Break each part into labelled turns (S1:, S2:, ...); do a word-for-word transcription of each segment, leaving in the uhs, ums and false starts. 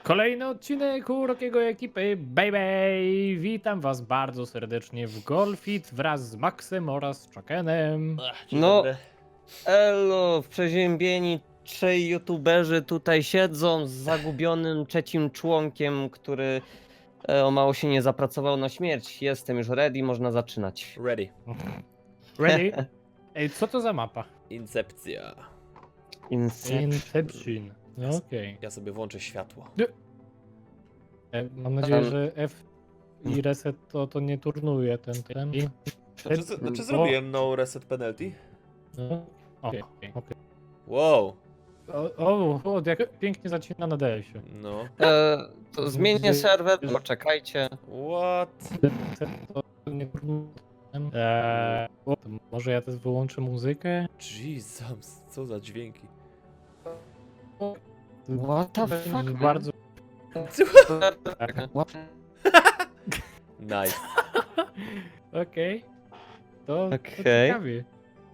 S1: Kolejny odcinek Urokiego ekipy, baby! Witam was bardzo serdecznie w Golfit wraz z Maxem oraz Chuckenem.
S2: Ach, dzień
S3: No.
S2: dobry.
S3: Elo, przeziębieni trzej youtuberzy tutaj siedzą z zagubionym trzecim członkiem, który e, o mało się nie zapracował na śmierć. Jestem już ready, można zaczynać.
S2: Ready.
S1: Ready? Ej, co to za mapa?
S2: Incepcja.
S3: Inception.
S1: Inception. No okej.
S2: Ja sobie włączę światło.
S1: E, Mam nadzieję,
S3: Tam-
S1: że F i reset to, to nie turnuje ten ten. I...
S2: Znaczy, znaczy
S1: O,
S2: zrobiłem no reset penalty?
S1: no, Okej, okej.
S2: Wow.
S1: O, o, o, jak pięknie zacina na D S-ie.
S2: No.
S3: E, to zmienię serwer, poczekajcie.
S2: What?
S1: To nie turnuje. Eee, o, to może ja też wyłączę muzykę?
S2: Jesus, co za dźwięki.
S3: What the fuck, man?
S1: Bardzo.
S2: Nice.
S1: Okej. To, to
S3: Okej.
S1: ciekawie.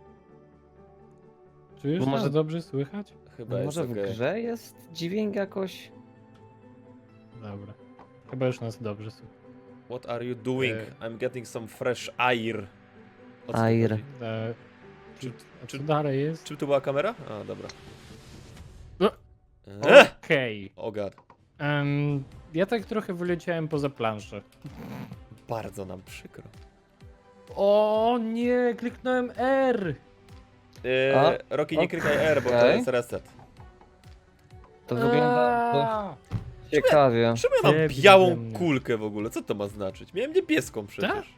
S1: Czy już
S3: Bo może-
S1: nas dobrze słychać?
S2: Chyba jest
S3: Może w
S2: okej.
S3: grze jest dźwięk jakoś?
S1: Dobra. Chyba już nas dobrze słychać.
S2: What are you doing?
S1: E.
S2: I'm getting some fresh air. O co tu
S3: Air.
S2: chodzi?
S1: E, czy, a
S2: czy-
S1: co dalej jest?
S2: Czym tu była kamera? A, dobra.
S1: No.
S2: Ech!
S1: Okej.
S2: O god.
S1: Em, ja tak trochę wyleciałem poza planszę.
S2: Bardzo nam przykro.
S1: O nie, kliknąłem R!
S2: Yy,
S3: A,
S2: Rocky, nie klikaj R, bo to
S3: okej.
S2: jest reset.
S3: To wygląda
S1: Aaa!
S3: ciekawie.
S2: Czemu ja mam
S1: Debil ze
S2: białą
S1: mnie.
S2: kulkę w ogóle? Co to ma znaczyć? Miałem niebieską
S1: Tak?
S2: przecież.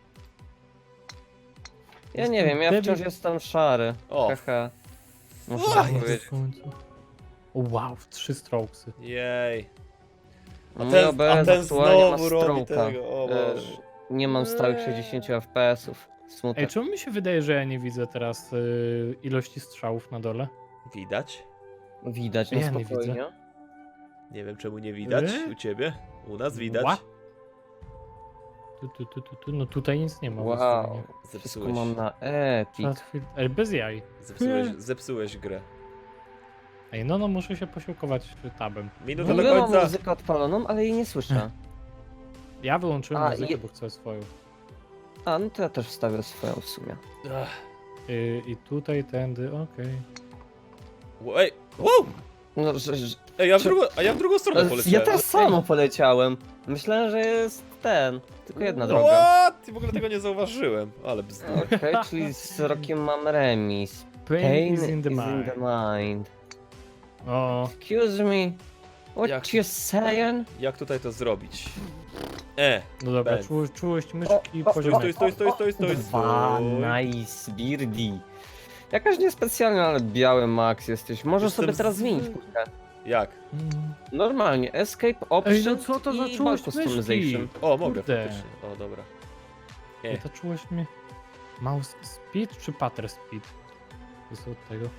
S3: Ja nie wiem, ja
S1: Debil.
S3: wciąż jestem szary.
S2: O.
S3: Haha. Muszę
S2: O,
S3: tak
S1: Jest
S3: powiedzieć.
S1: w końcu. O, wow, trzy strokesy.
S2: Jej. A
S3: Mój
S2: ten,
S3: O B
S2: a
S3: S
S2: ten
S3: aktualnie ma
S2: znowu robi
S3: stroka.
S2: tego, o
S3: E,
S2: Boże.
S3: Nie mam stałych sześćdziesiąt F P S-ów.
S1: Ej,
S3: Smutek.
S1: czemu mi się wydaje, że ja nie widzę teraz y, ilości strzałów na dole?
S2: Widać?
S3: Widać,
S1: Ja
S3: no
S1: nie
S3: spokojnie.
S1: widzę.
S2: Nie wiem czemu nie widać
S1: E?
S2: u ciebie. U nas widać.
S1: What? Tu, tu, tu, tu, tu. No tutaj nic nie ma. w
S3: Wow.
S1: ustawieniach.
S3: Wszystko
S2: Zepsułeś,
S3: mam na epic.
S1: Fast field- Ej, bez jaj.
S2: zepsułeś, zepsułeś grę.
S1: Ej, no no, muszę się posiłkować tabem.
S3: W
S2: Minuta do
S3: ogóle mam
S2: końca.
S3: muzykę odpaloną, ale jej nie słyszę.
S1: Ja wyłączyłem
S3: A,
S1: muzykę,
S3: je-
S1: bo chcę swoją.
S3: A, no to ja też wstawię swoją w sumie.
S2: Ach.
S1: Y, I tutaj, tędy, okej.
S2: Wo- Ej, wow!
S3: No, że, że,
S2: Ej, ja w
S3: Czy-
S2: drugą, a ja w drugą stronę
S3: ja
S2: poleciałem.
S3: też samo poleciałem. Myślałem, że jest ten. Tylko jedna droga.
S2: What? I w ogóle tego nie zauważyłem. Ale bzdur.
S3: Okej, czyli z rokiem mam remis.
S1: Pain,
S3: Pain
S1: is in the
S3: is
S1: mind.
S3: in the mind.
S1: O,
S3: Excuse me. What
S2: Jak-
S3: you saying?
S2: Jak tutaj to zrobić? E,
S1: no dobra,
S2: Ben.
S1: czułość, czułość myszki,
S3: O, o,
S1: poziom.
S2: stój, stój, stój, stój, stój,
S3: Dwa,
S2: stój.
S3: nice, birdie. Jakaś niespecjalna, ale biały Max jesteś. Możesz
S2: Jestem
S3: sobie teraz
S2: z-
S3: zmienić kulkę.
S2: Jak?
S1: Mm.
S3: Normalnie, escape option
S1: Ej, no co to za
S3: i
S1: czułość
S3: bulk
S1: myszki?
S3: customization.
S2: O, mogę
S1: Kurde.
S2: faktycznie. O, dobra.
S1: Ej, ta czułość mnie... Mouse speed czy patter speed? To jest od tego.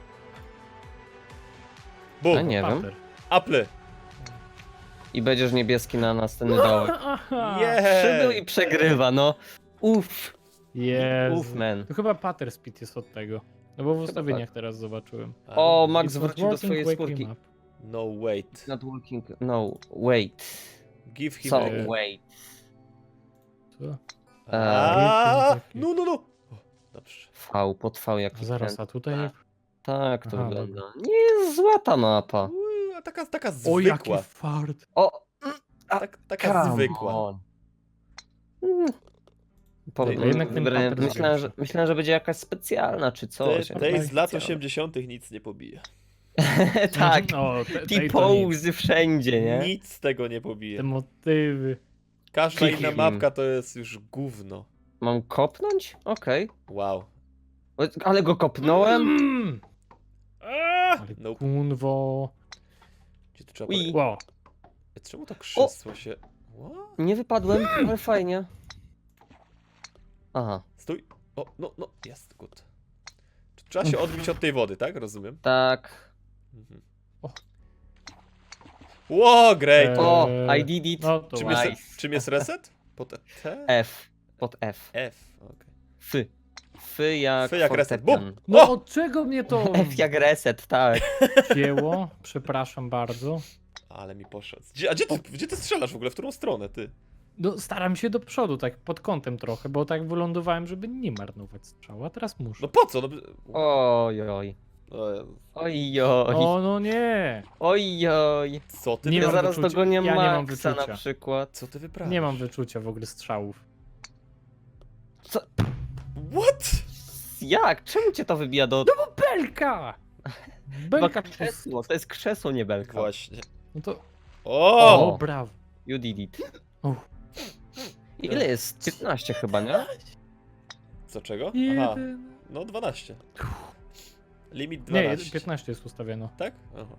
S3: A
S2: Bum!
S3: nie wiem.
S1: Patter.
S2: Apple!
S3: I będziesz niebieski na następny dołek.
S1: Aha!
S3: Przybył i
S2: Jej!
S3: przegrywa, no. Uff,
S1: Jezu.
S3: uff, man.
S1: To chyba patter speed jest od tego. No bo w ustawieniach teraz zobaczyłem.
S3: O,
S1: It
S3: Max
S1: was
S3: wrócił do
S1: working,
S3: swojej
S1: wake
S3: skórki.
S1: him up.
S2: No wait.
S3: Not working, no, wait.
S2: Give him
S3: So,
S2: a...
S1: e,
S3: wait.
S1: Co?
S2: A,
S1: Taki.
S2: No, no, no. O, dobrze.
S3: V, pod V
S1: A
S3: jaki
S1: zaraz,
S3: kręt.
S1: a tutaj...
S3: Tak, to
S1: Aha,
S3: wygląda. Nie jest zła ta mapa.
S2: Uuu, a taka, taka
S1: O, jaki
S2: zwykła.
S1: fart!
S3: O,
S2: Tak, taka
S3: come
S2: zwykła.
S3: on. Mm. Po,
S2: To
S1: jednak ten
S3: wybrałem-
S1: pattern
S3: myślałem, że,
S1: większy.
S3: myślałem, że będzie jakaś specjalna czy
S2: Te,
S3: coś.
S2: tej z lat
S1: specjalna.
S2: osiemdziesiątych nic nie pobije.
S3: Tak,
S1: No, te, tej to nic.
S3: T-pose wszędzie, nie?
S2: Nic z tego nie
S1: Te
S2: pobije.
S1: motywy.
S2: Każda
S3: Kick
S2: inna
S3: him.
S2: mapka to jest już gówno.
S3: Mam kopnąć? Okej.
S2: Wow.
S3: O, ale go kopnąłem?
S1: Mm.
S2: Aaa!
S1: Ale
S2: Nope.
S1: kunwo.
S2: Gdzie tu trzeba
S3: Ui.
S2: pole-
S1: Wow.
S2: Czemu to krzesło się... What?
S3: Nie wypadłem, ale fajnie. Aha,
S2: Stój. O, no, no, jest, good. Trzeba się odbić od tej wody, tak? Rozumiem.
S3: tak.
S2: Mhm.
S1: O.
S2: Ło, great!
S1: E,
S3: O, I did it.
S1: No to
S2: Czym,
S1: ładnie.
S2: jest, czym jest reset? Pod T?
S3: F. Pod F.
S2: F, okej.
S3: F. F jak,
S2: F jak reset.
S3: fortepian.
S2: Bum!
S1: No
S2: O!
S1: od czego mnie to
S3: F jak reset, tak.
S1: wzięło? Przepraszam bardzo.
S2: Ale mi poszedł. Gdzie, a gdzie ty, gdzie ty strzelasz w ogóle? W którą stronę, ty?
S1: No, staram się do przodu, tak pod kątem trochę, bo tak wylądowałem, żeby nie marnować strzału, a teraz muszę.
S2: No po co? No,
S3: Oj, oj.
S2: o Jezu.
S3: Oj, oj.
S1: O, no nie!
S3: Oj, oj.
S2: Co ty
S1: Nie
S3: Ja
S1: mam
S2: wypra...
S3: zaraz
S1: wyczucia.
S3: dogonię
S1: Ja nie mam
S3: Maxa
S1: wyczucia.
S3: na przykład.
S2: Co ty wyprawiasz?
S1: Nie mam wyczucia w ogóle strzałów.
S2: What?
S3: Jak? Czemu cię to wybija do...
S1: Belka!
S3: Chyba
S1: Belka
S3: krzesło, to jest krzesło, nie belka.
S2: Właśnie.
S1: No to...
S2: O!
S1: O, brawo.
S3: You did it.
S1: Uff.
S3: Ile jest? piętnaście chyba, nie?
S2: Co czego? Aha,
S1: Jeden...
S2: no dwanaście. Limit
S1: Nie,
S2: dwanaście.
S1: piętnaście jest ustawione.
S2: Tak? Aha.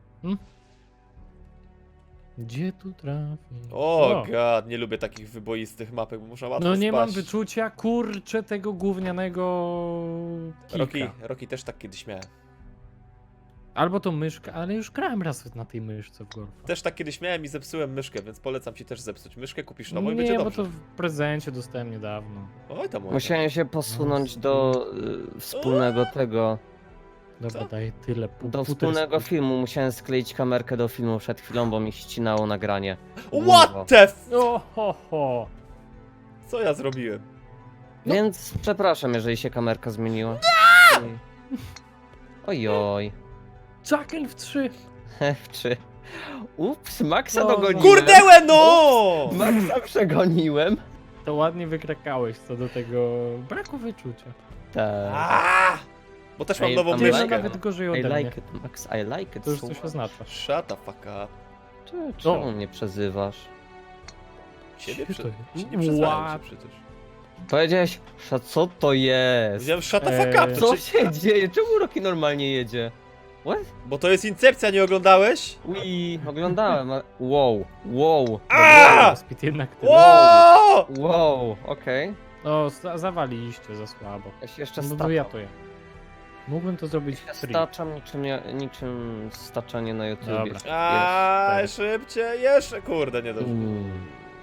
S1: Gdzie tu trafi?
S2: O god, nie lubię takich wyboistych mapek, bo można łatwo
S1: No nie
S2: spaść.
S1: mam wyczucia, kurczę, tego gównianego
S2: Rocky,
S1: kilka.
S2: Rocky też tak kiedyś miałem.
S1: Albo to myszka, ale już grałem raz na tej myszce w golfa.
S2: Też tak kiedyś miałem i zepsułem myszkę, więc polecam ci też zepsuć myszkę, kupisz nową i
S1: Nie,
S2: będzie
S1: bo
S2: dobrze.
S1: to w prezencie dostałem niedawno.
S2: Oj tam, oj tam.
S3: Musiałem się posunąć do y, wspólnego tego,
S1: Dobra,
S2: Co?
S1: daję tyle. Pu-
S3: do
S1: futer
S3: wspólnego
S1: sp-
S3: filmu. Musiałem skleić kamerkę do filmu przed chwilą, bo mi ścinało nagranie.
S2: What the f...
S1: O, ho, ho.
S2: Co ja zrobiłem?
S1: No.
S3: Więc przepraszam, jeżeli się kamerka zmieniła. Oj. Ojoj.
S1: Chucken w trzy.
S3: F trzy. Ups, Maxa
S1: No,
S3: dogoniłem.
S2: Kurdełe no!
S3: Maxa przegoniłem.
S1: To ładnie wykrakałeś co do tego braku wyczucia.
S3: Tak.
S2: Aaaa! Bo też mam
S3: Ej,
S2: nową
S3: tam
S1: Ty no
S3: like
S2: myszkę.
S1: nawet gorzej
S3: I
S1: ode mnie.
S3: like it, Max, I like it.
S1: To już
S3: so
S1: coś
S3: much.
S1: oznacza.
S2: Shut the fuck up.
S3: Cze- Czemu mnie przezywasz?
S2: Ciebie
S1: Co
S2: przy...
S1: to
S2: Ci
S1: jest?
S2: nie przezwałem
S1: What?
S2: cię przecież.
S3: Powiedziałeś, "Sza, co to jest?
S2: Powiedziałem shut the fuck
S1: Eee.
S2: up,
S3: Co
S2: to czy...
S3: się dzieje? Czemu Rocky normalnie jedzie? What?
S2: Bo to jest Incepcja, nie oglądałeś?
S3: Ui, oglądałem, ale... Wow, wow,
S2: A!
S1: Speed jednak tyle.
S2: Ło!
S3: wow, okej.
S1: O, za- zawaliliście za słabo.
S3: Ja się jeszcze
S1: No to
S3: staczam.
S1: ja to ja. Mógłbym to zrobić
S3: Ja
S1: w free.
S3: staczam niczym, ja- niczym staczanie na YouTubie.
S1: Dobra.
S3: Jest.
S2: Aaaa,
S1: Jest.
S2: szybciej, jeszcze, kurde, nie dobrze.
S3: Mm.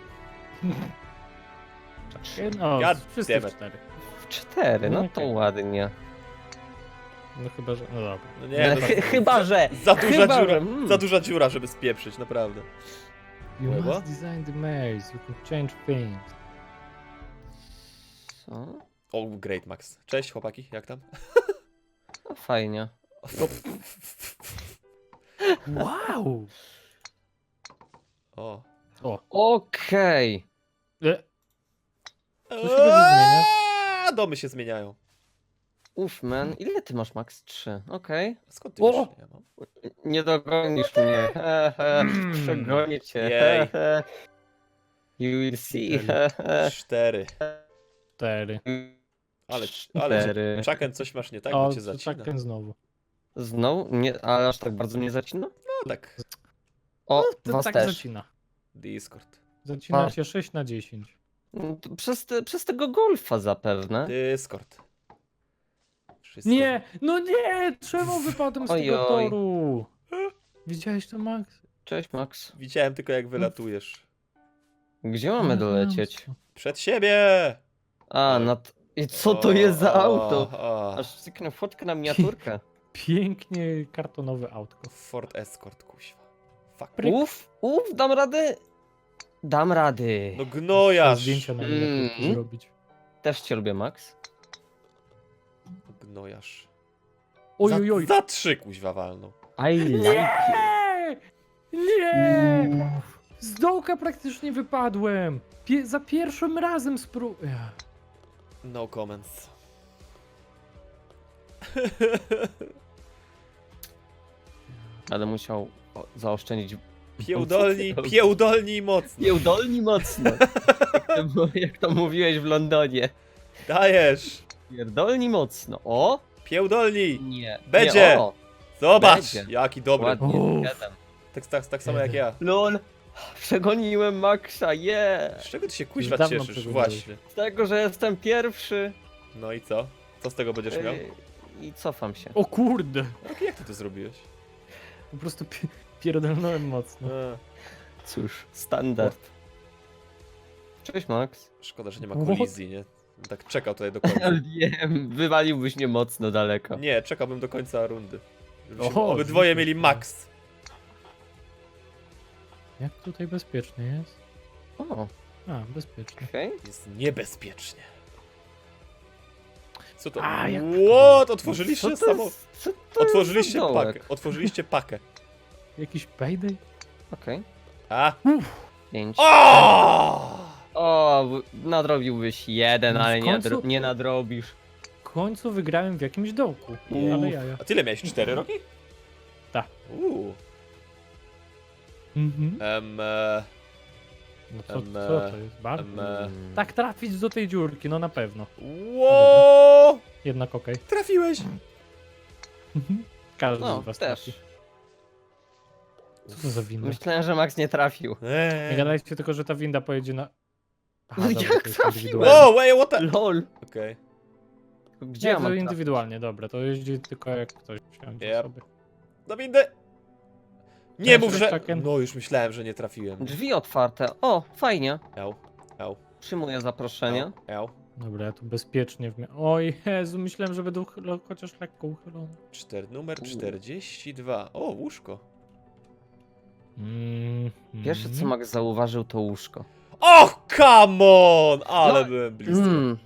S1: No,
S2: God
S1: wszyscy
S2: damn
S1: w
S2: it.
S1: cztery.
S3: W cztery, no
S1: No
S3: to
S1: okej.
S3: ładnie.
S1: No chyba, że... No dobra.
S2: No nie, no,
S3: Chy- chyba, że...
S2: za duża
S3: chyba,
S2: dziura,
S3: że, mm.
S2: za duża dziura, żeby spieprzyć, naprawdę.
S1: You
S2: What?
S1: must design the maze, you can change things.
S3: Co?
S2: O, great, Max. Cześć, chłopaki, jak tam?
S3: No fajnie.
S1: Wow!
S2: O.
S1: O.
S3: Okej.
S1: E, Co się będzie zmieniać?
S2: Eee, Domy się zmieniają.
S3: Uff, man. Ile ty masz, Max? Trzy. Okej.
S2: Skąd ty
S1: O!
S2: wiesz? Ja mam?
S3: Nie dogonisz mnie. He, he. Przegonię cię.
S2: Jej.
S3: He, he. You will see. He, he.
S2: Cztery.
S1: Cztery.
S2: Ale, ale,
S3: Cztery.
S2: Chucken, coś masz nie tak,
S1: O,
S2: bo cię zacina.
S1: Chucken znowu.
S3: Znowu? Nie, ale aż tak bardzo nie zacina?
S2: No tak,
S3: O,
S1: No, to
S3: was
S1: tak
S3: też.
S1: zacina.
S2: Discord.
S1: Zacina
S3: A.
S1: się sześć na dziesięć.
S3: No, to Przez, te, przez tego golfa zapewne.
S2: Discord. Wszystko.
S1: Nie! No nie! Czemu wypadłem z tego
S3: Ojoj.
S1: toru? Widziałeś to, Max?
S3: Cześć, Max.
S2: Widziałem tylko jak wylatujesz.
S3: Gdzie mamy dolecieć?
S2: Przed siebie!
S3: A, na... t- I co to jest za
S2: O,
S3: auto?
S2: o, o.
S3: Aż cyknę fotkę na miniaturkę.
S1: Pięknie kartonowe autko.
S2: Ford Escort, kuźwa. Fuck.
S1: Pryk.
S3: Uff, uff, dam rady. Dam rady.
S2: No gnojarz!
S1: Zdjęcia na miniaturkę
S3: Mm.
S1: zrobić.
S3: Też cię lubię, Max.
S2: Gnojarz.
S1: Oj,
S2: za,
S1: oj, oj.
S2: za trzy kuźwa walną.
S3: I like
S1: Nie! Nie! Z dołka praktycznie wypadłem. Pie za pierwszym razem spró... Ja.
S2: No comments.
S3: Ale musiał o, zaoszczędzić.
S2: Piełdolni, piełdolni mocno.
S3: Nieudolni mocno. jak, to, mu- jak to mówiłeś w Londonie.
S2: Dajesz.
S3: Pierdolni mocno. O!
S2: Piełdolni.
S3: Nie.
S2: Będzie.
S3: Nie, o.
S2: Zobacz,
S3: Będzie.
S2: jaki dobry.
S3: Ładnie.
S1: Uff.
S3: zgadzam.
S2: Tak, tak, tak samo jak ja.
S3: Lol. Przegoniłem Maxa, yeah!
S2: Z czego ty się kuźwa
S1: Dawno
S2: cieszysz?
S1: przegoniłeś.
S2: Właśnie.
S3: Z tego, że jestem pierwszy.
S2: No i co? Co z tego będziesz miał?
S3: Ej, I cofam się.
S1: O kurde!
S2: Roki, jak ty to zrobiłeś?
S1: Po prostu pi pierdolnąłem mocno.
S2: A,
S3: Cóż, standard. Cześć, Max.
S2: szkoda, że nie ma
S1: What?
S2: kolizji, nie? Tak czekał tutaj do końca.
S3: Wiem, wywaliłbyś mnie mocno daleko.
S2: Nie, czekałbym do końca rundy. Żebyśmy
S1: Oho,
S2: obydwoje
S1: dzięki.
S2: mieli max.
S1: Jak tutaj bezpiecznie jest?
S3: O,
S1: A, bezpiecznie.
S3: okej.
S2: Jest niebezpiecznie. Co to?
S1: A, jak-
S2: What? Otworzyliście
S3: Co to
S2: samo...
S3: jest- co to
S2: Otworzyliście
S3: jest za dołek?
S2: pakę. Otworzyliście pakę.
S1: Jakiś payday?
S3: Okej.
S2: A?
S3: Pięć.
S2: O!
S3: O, w- nadrobiłbyś jeden,
S1: No w
S3: ale nie,
S1: końcu-
S3: nadro nie nadrobisz.
S1: W końcu wygrałem w jakimś dołku.
S2: Uff.
S1: Ale jaja.
S2: A tyle miałeś? Cztery roki?
S1: Tak.
S2: Uuu.
S1: Mhm.
S2: Em, e,
S1: No co,
S2: Em,
S1: co to jest? Bar?
S2: em, e.
S3: Mm.
S1: Tak trafić do tej dziurki, no na pewno.
S2: Ło!
S1: Jednak okej.
S2: Trafiłeś!
S1: Mhm. Każdy
S3: No,
S1: z was
S3: też.
S1: trafi. Co to za winda?
S3: Myślałem, że Max nie trafił.
S1: Nie
S2: Eee.
S1: gadajcie tylko, że ta winda pojedzie na... Aha,
S3: No
S1: dobra,
S3: jak
S1: to jest
S3: trafiłem?
S1: indywidualnie.
S2: Wow, wait, what the...
S3: LOL.
S2: Okej.
S3: Gdzie
S1: Nie,
S3: ja
S1: to
S3: mam trafić?
S1: indywidualnie, dobra, to jeździ tylko jak ktoś wsiądzie
S2: Yep.
S1: sobie.
S2: Na windę! Nie
S1: Cześć,
S2: mów, że...
S1: Chucken.
S2: No, już myślałem, że nie trafiłem.
S3: Drzwi otwarte. O, fajnie.
S2: Eł, eł,
S3: Przyjmuję zaproszenie.
S2: eł, eł.
S1: Dobra, ja tu bezpiecznie w mia... Oj Jezu, myślałem, że będę uchylo... chociaż lekko uchylony.
S2: Czter, numer
S3: U.
S2: czterdzieści dwa. O, łóżko.
S1: Mm,
S3: Pierwsze co
S1: mm.
S3: Max zauważył to łóżko.
S2: Och, come on! Ale
S3: No,
S2: byłem blisko.
S3: Mm.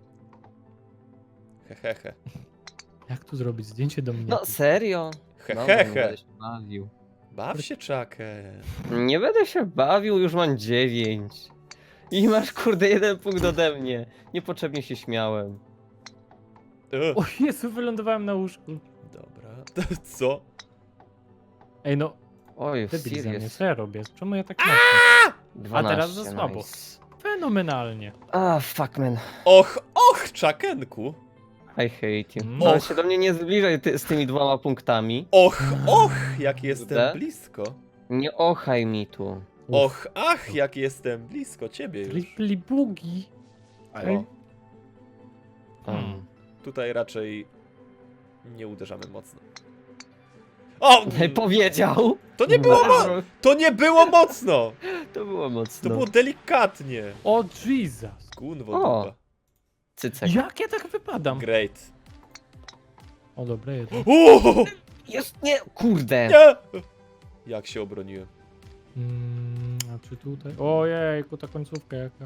S2: Hehehe.
S1: Jak tu zrobić zdjęcie do mnie?
S3: No serio? Dobra, nie
S2: Hehehe.
S3: będę się bawił.
S2: Baw się, czakę.
S3: Nie będę się bawił, już mam dziewięć. I masz kurde jeden punkt ode mnie. Niepotrzebnie się śmiałem.
S2: Ugh.
S1: O Jezu, wylądowałem na łóżku.
S2: Dobra. Co?
S1: Ej no,
S3: Oj,
S1: debil ze mnie,
S3: serious.
S1: co ja robię? Czemu ja tak mocno?
S3: dwanaście,
S1: teraz za słabo.
S3: nice.
S1: Fenomenalnie.
S3: Ah, fuck man.
S2: Och, och, czakenku.
S3: I hate you.
S1: Mm.
S3: No
S2: Och.
S3: się do mnie nie zbliżaj ty, z tymi dwoma punktami.
S2: Och, och, jak jestem
S3: Kurde.
S2: blisko.
S3: Nie ochaj mi tu.
S2: Och, ach, jak jestem blisko ciebie już.
S1: Tripli bugi. Ej.
S2: O,
S1: Hmm.
S2: tutaj raczej nie uderzamy mocno. O!
S3: Powiedział!
S2: To nie było mo-
S3: Bardzo-
S2: To nie było mocno!
S3: To było
S2: To
S3: mocno.
S2: było delikatnie.
S1: O Jesus.
S2: Kunwo
S3: O.
S2: dupa.
S3: Cycek.
S1: Jak ja tak wypadam?
S2: Great.
S1: O dobra, jedno.
S2: Uuu,
S3: Jest, nie, kurde.
S2: nie! Jak się obroniłem.
S1: Mm, a czy tutaj? Ojejku, ta końcówka jaka.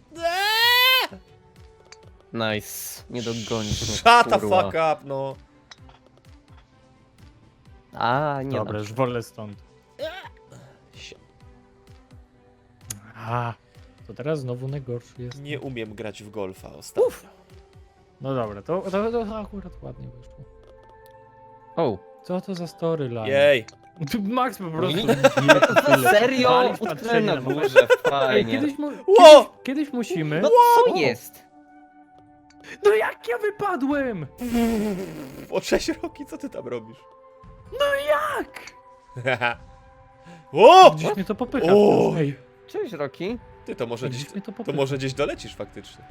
S3: Nice. Nie dogonisz mnie,
S2: Shut the
S3: kurwa.
S2: fuck up, no.
S3: A, nie
S1: Dobra,
S3: da.
S1: już wolę stąd. A, to teraz znowu najgorszy jest.
S2: Nie umiem grać w golfa ostatnio.
S1: No dobra, to, to, to akurat ładnie wyszło.
S3: O,
S1: Co to za storyline?
S2: Jej.
S1: Tu Max po prostu...
S3: Nie.
S1: bije to tyle.
S3: serio?
S1: Walisz
S3: Utknę
S1: patrzenie
S3: na
S1: na moment.
S3: górze,
S1: Ej,
S3: fajnie.
S1: kiedyś, mu...
S2: Ło!
S1: kiedyś, kiedyś musimy...
S3: No co jest?
S1: No jak ja wypadłem?
S2: O sześć roki, co ty tam robisz?
S1: No jak?
S2: o!
S1: Gdzieś mnie to popycha.
S2: O!
S1: wciąż. Ej,
S3: Cześć, Roki.
S2: Ty, to może gdzieś,
S1: gdzieś mnie to
S2: to
S1: popycha.
S2: może gdzieś dolecisz faktycznie.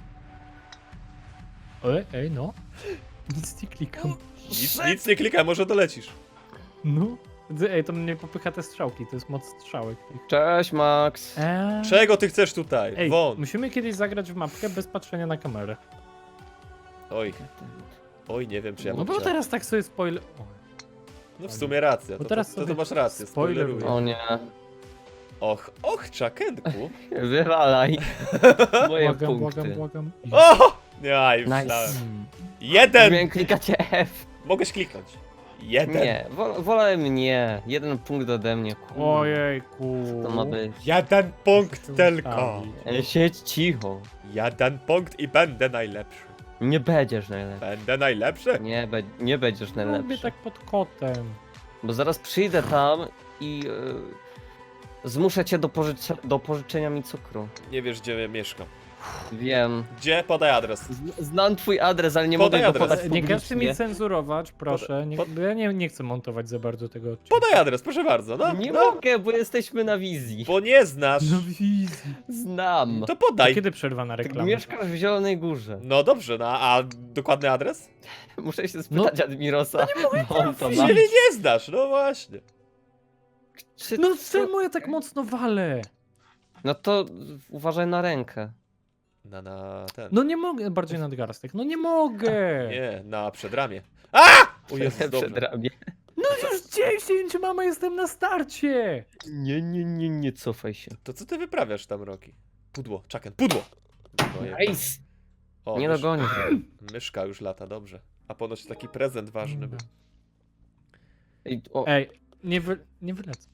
S1: Ej, ej, no. Nic nie klikam.
S2: Nic, nic nie klikaj, może dolecisz.
S1: No. Ej, to mnie popycha te strzałki, to jest moc strzałek.
S3: Cześć, Max.
S1: Eee.
S2: Czego ty chcesz tutaj?
S1: Ej,
S2: Won.
S1: musimy kiedyś zagrać w mapkę bez patrzenia na kamerę.
S2: Oj, oj, nie wiem czy ja
S1: No
S2: mam
S1: bo
S2: czas.
S1: teraz tak sobie spoiler... O,
S2: No w sumie racja,
S1: Bo
S2: to,
S1: teraz
S2: to, to, to
S1: sobie
S2: masz rację,
S1: spoileruję.
S2: spoileruję.
S3: O nie.
S2: Och, och, czakenku.
S3: Wywalaj. Moje
S1: błagam,
S3: punkty.
S1: błagam, błagam.
S2: O! Nie, już
S3: Nice.
S2: myślałem.
S1: Hmm.
S2: Jeden!
S3: Miałem klikacie F.
S2: Mogłeś kliknąć. Jeden.
S3: Nie, wo wolałem nie. Jeden punkt ode mnie. Kurde.
S1: Ojejku.
S3: Co to ma być?
S2: Jeden punkt
S1: Muszę
S2: tylko.
S1: ustawić.
S3: E, Siedź cicho.
S2: Jeden punkt i będę najlepszy.
S3: Nie będziesz najlepszy.
S2: Będę najlepszy?
S3: Nie, be nie będziesz
S1: Lubię
S3: najlepszy.
S1: tak pod kotem.
S3: Bo zaraz przyjdę tam i e, zmuszę cię do, pożycze do pożyczenia mi cukru.
S2: Nie wiesz gdzie ja mieszkam.
S3: Wiem.
S2: Gdzie? Podaj adres.
S3: Z znam twój adres, ale nie
S2: Podaj
S3: mogę go
S2: adres.
S3: podać
S1: Nie każcie mi
S3: publicznie.
S1: cenzurować, proszę. Nie,
S2: pod-
S1: bo ja nie, nie chcę montować za bardzo tego odcinka.
S2: Podaj adres, proszę bardzo. No,
S3: Nie
S2: no.
S3: mogę, bo jesteśmy na wizji.
S2: Bo nie znasz.
S1: No wizji.
S3: Znam.
S2: To
S1: To
S2: podaj.
S1: kiedy przerwa na
S3: Ty
S1: reklamę?
S3: mieszkasz w Zielonej Górze.
S2: No dobrze, no a dokładny adres?
S3: Muszę się
S1: No.
S3: spytać Admirosa. No, on to ma.
S2: Czyli nie znasz, no właśnie.
S3: Czy
S1: No
S3: co-
S1: czemu ja tak mocno walę?
S3: No to uważaj na rękę.
S2: Na, na ten.
S1: No nie mogę, bardziej nadgarstek. No nie mogę.
S2: Nie, na przedramię. A! O Jezus,
S3: Przed
S2: dobrze.
S3: ramię.
S1: No już dziesięć, mama, jestem na starcie!
S3: Nie, nie, nie, nie cofaj się.
S2: To co ty wyprawiasz tam, Roki? Pudło, Chucken, pudło! Ojej.
S3: Nice!
S2: O,
S3: Nie
S2: mysz,
S3: dogonisz.
S2: myszka już lata, dobrze. A ponoć taki prezent ważny był.
S3: Ej, o,
S1: Ej, nie, wy, nie wylecę.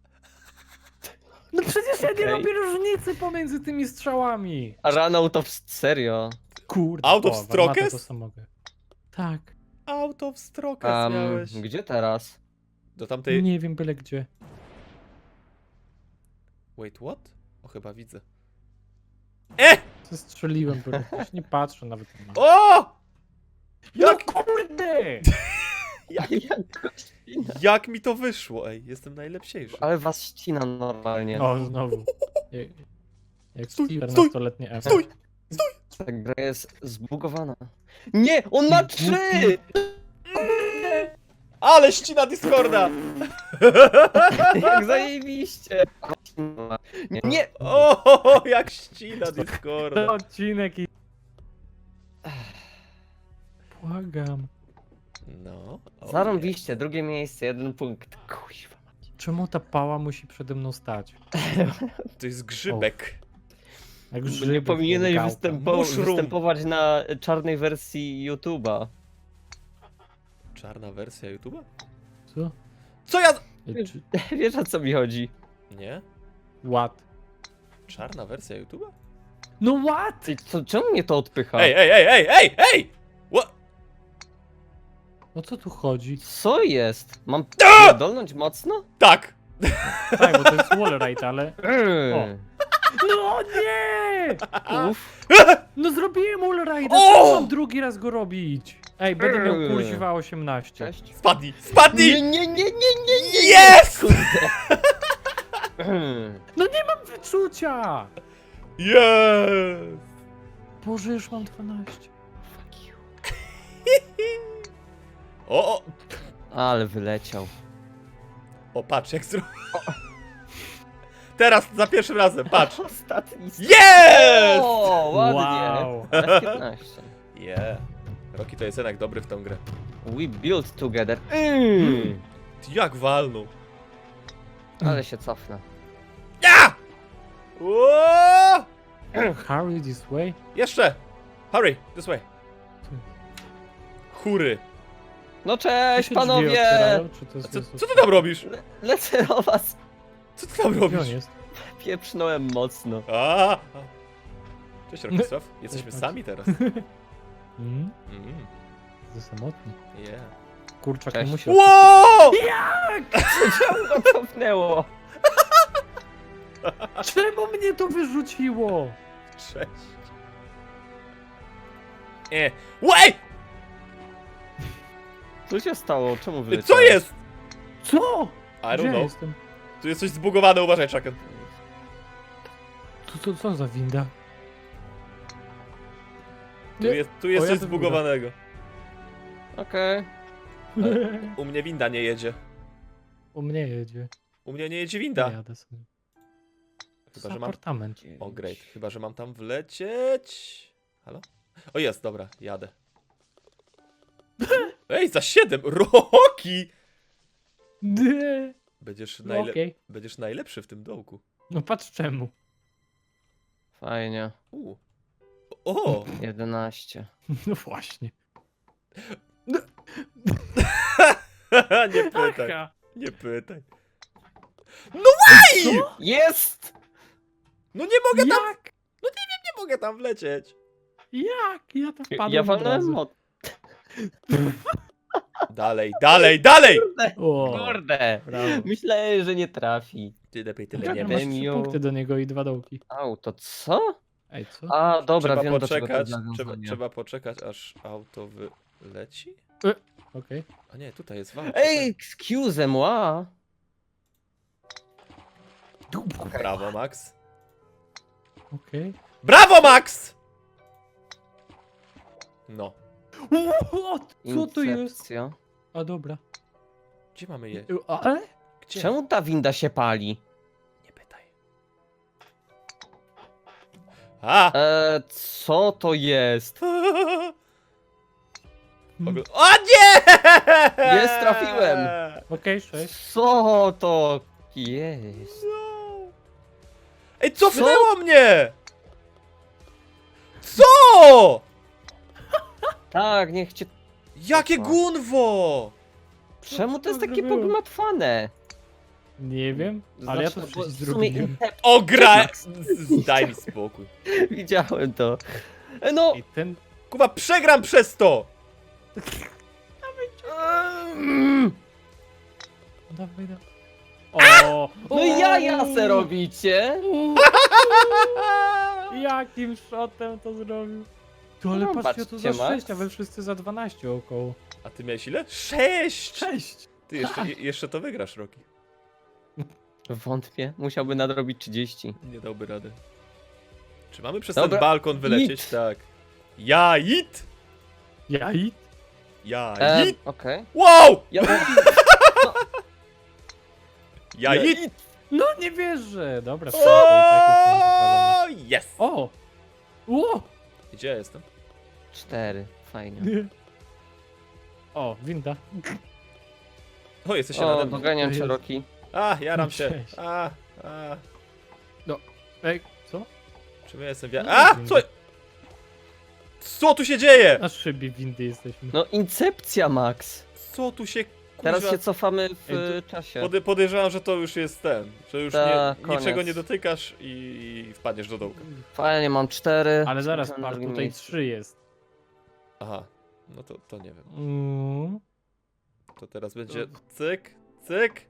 S1: No przecież ja nie
S3: Okej.
S1: robię różnicy pomiędzy tymi strzałami.
S3: a run of serio.
S1: Kurde.
S2: Out of
S1: o, w
S2: Strokes?
S1: armatę to sam mogę. Tak.
S2: Out of Strokes
S3: Um,
S2: miałeś.
S3: gdzie teraz?
S2: Do tamtej...
S1: Nie wiem byle gdzie.
S2: Wait, what? O, chyba widzę. E!
S1: Zestrzeliłem, bo już nie patrzę nawet na.
S2: O!
S1: No
S2: Jak,
S1: kurde!
S2: jak,
S3: Jak...
S2: jak mi to wyszło, ej, jestem najlepsiejszy.
S3: Ale was ścina normalnie.
S1: O, znowu. Jak, jak
S2: Stój,
S1: czternastoletnie F.
S2: stój!
S3: Ta gra jest zbugowana. Nie! On ma trzy!
S2: Ale ścina Discorda!
S3: Jak zajebiście! Nie! nie.
S2: O, jak ścina Discorda.
S1: Ten odcinek i... Błagam.
S2: No. o
S3: Zarąbiście, drugie miejsce, jeden punkt. Kuźwa.
S1: Czemu ta pała musi przede mną stać?
S2: nie. To jest grzybek.
S1: Jak
S3: Nie
S1: grzybek,
S3: powinieneś
S1: jak gałka.
S3: występo
S2: Mushroom.
S3: występować na czarnej wersji YouTube'a.
S2: Czarna wersja YouTube'a?
S1: Co?
S2: Co ja...
S1: Ej, czy...
S3: Wiesz, o co mi chodzi?
S2: Nie?
S1: What?
S2: Czarna wersja YouTube'a?
S1: No what?
S3: Ty, co, czemu mnie to odpycha?
S2: Ej, ej, ej, ej, ej, ej! What?
S1: O co tu chodzi?
S3: Co jest? Mam
S2: A!
S3: dolnąć mocno?
S2: Tak!
S1: Tak, bo to jest wallride, ale...
S3: Eee.
S1: No nie!
S3: Uff.
S1: No zrobiłem wallride,
S2: O!
S1: co mam drugi raz go robić? Ej, będę miał
S3: Eee.
S1: kursiwa osiemnaście.
S3: Cześć.
S2: Spadnij! Spadnij!
S3: Nie, nie, nie, nie, nie, nie!
S2: Jest!
S3: Kurde. Eee.
S1: No nie mam wyczucia!
S2: Jest!
S1: Boże, już mam dwanaście.
S3: Fuck you.
S2: O, o!
S3: Ale wyleciał.
S2: O, patrz, jak zro... Teraz, za pierwszym razem, patrz!
S3: Ostatni.
S2: Jest!
S3: O, ładnie.
S1: Wow.
S3: F piętnaście.
S2: Yeah. Roki to jest jednak dobry w tą grę.
S3: We build together. Mm.
S2: Ty jak walnął?
S3: Ale się cofnę.
S2: Ja! Ło!
S1: Harry this way?
S2: Jeszcze! Hurry, this way. Chury.
S3: No
S1: Tu
S3: cześć
S1: się drzwi
S3: panowie!
S1: otwierają, czy to
S2: A
S3: No
S1: jest
S2: co,
S1: Jezus?
S2: co ty tam robisz?
S3: Le lecę do was.
S2: Co ty tam
S1: Gdzie on
S2: robisz?
S1: jest?
S3: Pieprznąłem mocno.
S2: A, a. Cześć Rokisław, jesteśmy
S1: Cześć.
S2: sami teraz.
S1: Mm?
S2: Mm,
S1: Za samotny.
S2: yeah.
S1: Kurczak
S3: Cześć.
S1: nie musi...
S2: Wow!
S3: Czemu go cofnęło?
S1: Czemu mnie to wyrzuciło?
S2: Cześć. Nie. Łej!
S3: Co się stało? Czemu
S2: Co
S3: wyleciałeś?
S2: jest?
S1: Co?
S2: I don't
S1: Gdzie
S2: know.
S1: jestem?
S2: Tu jest coś zbugowane, uważaj, Chucken.
S1: Tu, tu, co za winda?
S2: Tu
S1: Nie.
S2: jest, tu jest
S1: O, ja
S2: coś
S1: to
S2: zbugowanego.
S3: Okej.
S2: U mnie winda nie jedzie.
S1: U mnie jedzie.
S2: U mnie nie jedzie
S1: Ja
S2: winda.
S1: jadę sobie.
S2: Chyba, że mam...
S1: Apartament.
S2: O, great. Chyba, że mam tam wlecieć. Halo? O, jest, dobra, jadę. Ej, za siedem! Roki!
S1: Nie.
S2: Będziesz,
S1: No
S2: najle...
S1: okej.
S2: Będziesz najlepszy w tym dołku.
S1: No patrz czemu.
S3: Fajnie.
S2: U. O!
S3: jedenaście.
S1: No właśnie.
S2: Nie pytaj,
S1: Aha.
S2: nie pytaj.
S1: Co?
S3: Jest!
S2: No nie mogę tam,
S1: Jak?
S2: nie mogę tam wlecieć.
S1: Jak? Ja tam wpadłem
S3: Ja
S1: od
S3: walnąłem
S1: razu.
S3: mod.
S2: Dalej, dalej, dalej!
S1: O,
S3: Kurde!
S1: brawo.
S3: Myślałem, że nie trafi.
S2: Ty lepiej tyle
S1: Jak
S2: nie
S1: masz
S2: wiesz.
S3: wiem.
S1: trzy
S3: Miu.
S1: punkty do niego i dwa dołki.
S3: Auto, co?
S1: Ej, co?
S3: A, dobra,
S2: Trzeba
S3: wiem do czego to
S2: poczekać,
S3: jest
S2: trzeba,
S3: nawiązanie.
S2: trzeba poczekać, aż auto wyleci?
S1: Okej.
S2: A nie, tutaj jest walka.
S3: Ej, excuse moi.
S2: Brawo, Max.
S1: Okej.
S2: Brawo, Max! No.
S1: What? Co to jest?
S3: Incepcja.
S1: A dobra.
S2: Gdzie mamy je?
S1: Ale?
S2: Gdzie?
S3: Czemu ta winda się pali?
S2: Nie pytaj. A!
S3: Eee, co to jest?
S2: Ogl- O nie!
S3: Jest, trafiłem.
S1: Okej, sześć.
S3: Co to jest?
S2: No. Ej, cofnęło mnie! Co?
S3: Tak, niech cię...
S2: Jakie
S3: Co?
S2: gunwo!
S3: Czemu
S1: co
S3: to jest
S1: to
S3: takie
S1: zrobiło?
S3: pogmatwane?
S1: Nie wiem, ale ja to
S3: Znaczy, bo
S1: przecież
S3: w sumie
S1: zrobiłem.
S3: Inception-
S2: O, gra... Daj mi spokój.
S3: Widziałem to. E, No!
S1: I ten...
S2: Kuba, przegram przez to!
S3: Mm.
S1: Dawaj, dawaj. O!
S3: No i jaja se robicie!
S1: Jakim shotem to zrobił? Tu, ale
S3: No,
S1: patrzcie, to za
S3: patrzcie, Max.
S1: sześć, a wy wszyscy za dwanaście około.
S2: A ty miałeś ile? Sześć!
S1: Sześć!
S2: Ty jeszcze, je, jeszcze to wygrasz, Roki.
S3: Wątpię, musiałby nadrobić trzydzieści.
S2: Nie dałby rady. Czy mamy przez
S3: Dobra,
S2: ten balkon wylecieć?
S3: it.
S2: Tak. Ja it!
S1: Ja i?
S2: Ja
S3: E,
S2: it!
S3: Okej.
S2: Wow!
S3: Ja...
S2: Ja it!
S1: No nie wierzę! Dobra, spoko, i tak już mam wywalone.
S2: O, yes!
S1: O! O!
S2: Gdzie ja jestem?
S3: Cztery, fajnie.
S1: O, winda.
S2: O, jesteście
S3: O,
S2: nade mną.
S3: doganiam cię,
S1: Jezu.
S3: Roki.
S2: A, jaram się.
S1: Cześć.
S2: A, a.
S1: Ej, co?
S2: Czym ja jestem? Wia-
S1: No,
S2: A!
S1: winda.
S2: Co? Co tu się dzieje?
S1: Na szybie windy jesteśmy.
S3: No, incepcja, Max.
S2: Co tu się
S3: Teraz
S2: kuźwa-
S3: się cofamy w
S1: Ej,
S3: e, czasie.
S2: Pody, podejrzewam, że to już jest ten, że już
S3: Ta,
S2: nie,
S3: koniec.
S2: niczego nie dotykasz i, i wpadniesz do dołka.
S3: Fajnie, mam cztery.
S1: Ale zaraz,
S3: Jestem na
S1: par,
S3: drugim
S1: tutaj
S3: miejscu.
S1: trzy jest.
S2: Aha, no to, to nie wiem.
S1: Mm.
S2: To teraz będzie cyk, cyk.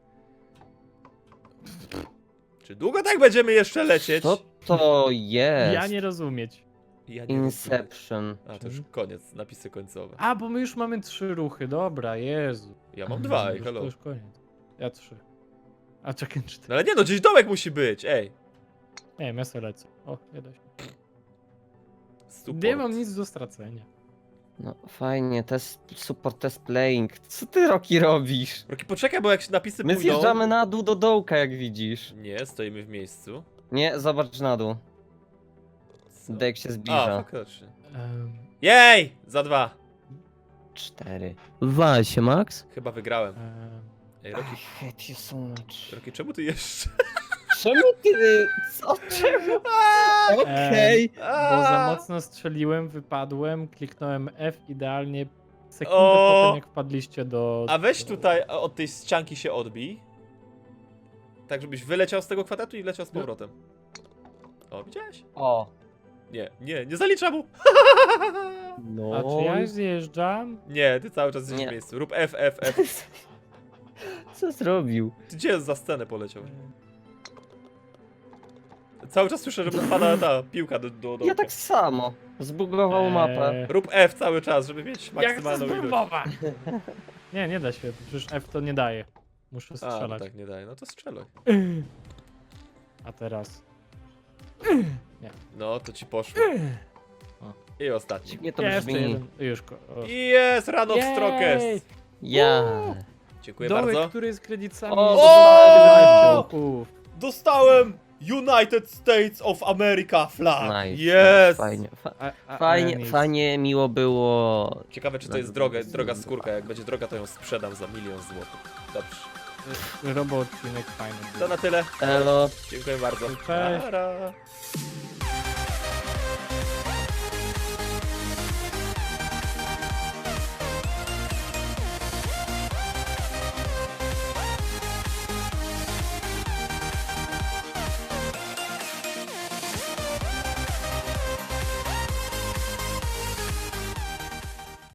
S2: Czy długo tak będziemy jeszcze lecieć?
S3: Co to jest?
S1: Ja nie rozumieć.
S2: Ja nie rozumiem.
S3: Inception.
S2: A, to już koniec, napisy końcowe.
S1: A, bo my już mamy trzy ruchy, dobra, Jezu.
S2: Ja mam dwa, ej,
S1: Już-
S2: hello.
S1: To już koniec. Ja trzy. A czekaj, cztery.
S2: No ale nie no, gdzieś domek musi być, ej.
S1: Nie wiem, ja sobie lecę. O, nie da się.
S2: Support.
S1: Nie mam nic do stracenia.
S3: No fajnie, test, support test playing. Co ty, Roki, robisz?
S2: Roki, poczekaj, bo jak się napisy
S3: My
S2: pójdą...
S3: zjeżdżamy na dół do dołka, jak widzisz.
S2: Nie, stoimy w miejscu.
S3: Nie, zobacz na dół.
S2: Co?
S3: Dek się
S2: A,
S3: zbliża.
S2: faktycznie.
S1: Um,
S2: Jej! Za dwa.
S3: Cztery. Wal się, Max.
S2: Chyba wygrałem.
S1: um,
S2: Ej,
S3: I
S2: Roki,
S3: hate you so much.
S2: Roki, czemu ty jeszcze?
S3: Czemu ty... Co? Czemu? Okej.
S1: bo za mocno strzeliłem, wypadłem, kliknąłem F idealnie sekundę
S2: O!
S1: po tym, jak wpadliście do...
S2: A weź
S1: do-
S2: tutaj od tej ścianki się odbij. Tak, żebyś wyleciał z tego kwadratu i leciał z
S1: No.
S2: powrotem. O, widziałeś?
S3: O.
S2: Nie, nie, nie zaliczam mu.
S3: No.
S1: A czy ja zjeżdżam?
S2: Nie, ty cały czas jesteś
S3: Nie.
S2: w miejscu. Rób F, F, F.
S3: Co zrobił?
S2: Ty gdzie za scenę poleciał? Cały czas słyszę, że pada ta piłka do, do, do
S3: Ja tak samo. Zbugował mapę.
S1: Eee,
S2: Rób F cały czas, żeby mieć
S1: Jak chcę
S2: maksymalną ilość.
S1: spróbować? Nie, nie da się, przecież F to nie daje. Muszę
S2: A, no
S1: strzelać.
S2: tak nie daje. No to strzelaj.
S1: A teraz...
S2: No, to ci poszło.
S1: O.
S2: I ostatni.
S3: Dziwnie to
S1: Jeszcze
S3: brzmi.
S1: jeden. Już. ko- O.
S2: Jest, run of
S1: Jej!
S2: Strokes.
S3: Ja.
S2: Dziękuję
S1: Dołek,
S2: bardzo.
S1: który jest kredytami.
S3: O!
S1: O! Punktów.
S2: Dostałem United States of America flag.
S3: Nice.
S2: Yes.
S3: Fajnie. Fa
S1: A- a-
S3: fajnie,
S1: a nic.
S3: fajnie, miło było.
S2: Ciekawe, czy to jest droga, droga skórka. Jak będzie droga, to ją sprzedam za milion złotych. Dobrze.
S1: Robo odcinek fajny. był.
S2: To na tyle.
S3: Elo.
S2: Dziękuję bardzo.
S1: Cześć.
S2: Nara.